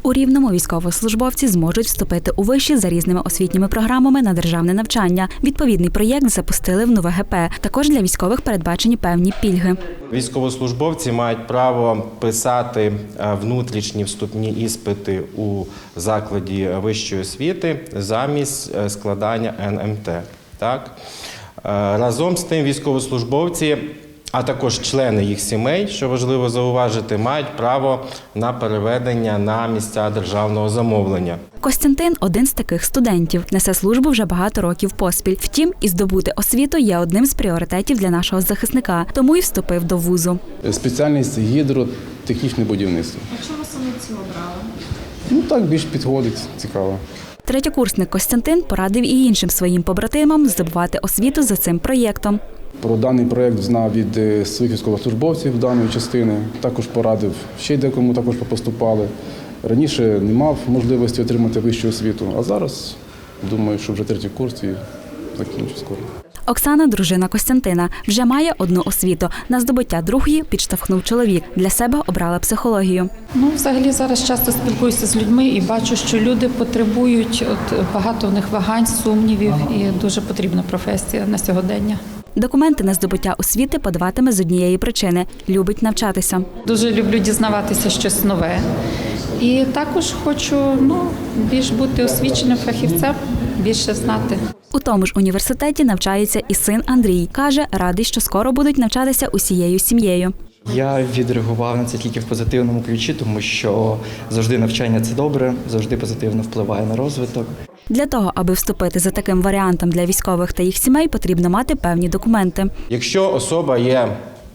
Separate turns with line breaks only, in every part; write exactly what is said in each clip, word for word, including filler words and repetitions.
У Рівному військовослужбовці зможуть вступити у виші за різними освітніми програмами на державне навчання. Відповідний проєкт запустили в НУВГП. Також для військових передбачені певні пільги.
Військовослужбовці мають право писати внутрішні вступні іспити у закладі вищої освіти замість складання ен ем те. Так? Разом з тим військовослужбовці, а також члени їх сімей, що важливо зауважити, мають право на переведення на місця державного замовлення.
Костянтин – один з таких студентів. Несе службу вже багато років поспіль. Втім, і здобути освіту є одним з пріоритетів для нашого захисника, тому й вступив до вузу.
Спеціальність гідротехнічне будівництво.
А чому саме цю обрали?
Ну так більш підходить, цікаво.
Третєкурсник Костянтин порадив і іншим своїм побратимам здобувати освіту за цим проєктом.
Про даний проєкт знав від своїх військовослужбовців даної частини. Також порадив ще декому, також поступали. Раніше не мав можливості отримати вищу освіту, а зараз думаю, що вже третій курс і закінчу скоро.
Оксана, дружина Костянтина, вже має одну освіту. На здобуття другої підштовхнув чоловік. Для себе обрала психологію.
Ну, взагалі зараз часто спілкуюся з людьми і бачу, що люди потребують, от багато в них вагань, сумнівів, і дуже потрібна професія на сьогодення.
Документи на здобуття освіти подаватиме з однієї причини – любить навчатися.
Дуже люблю дізнаватися щось нове. І також хочу ну, більш бути освіченим фахівцем, більше знати.
У тому ж університеті навчається і син Андрій. Каже, радий, що скоро будуть навчатися усією сім'єю.
Я відреагував на це тільки в позитивному ключі, тому що завжди навчання – це добре, завжди позитивно впливає на розвиток.
Для того, аби вступити за таким варіантом для військових та їх сімей, потрібно мати певні документи.
Якщо особа є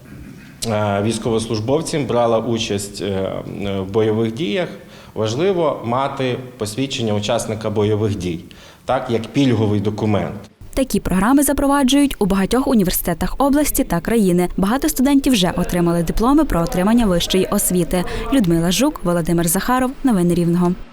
військовослужбовцем, брала участь в бойових діях, важливо мати посвідчення учасника бойових дій, так, як пільговий документ.
Такі програми запроваджують у багатьох університетах області та країни. Багато студентів вже отримали дипломи про отримання вищої освіти. Людмила Жук, Володимир Захаров. Новини Рівного.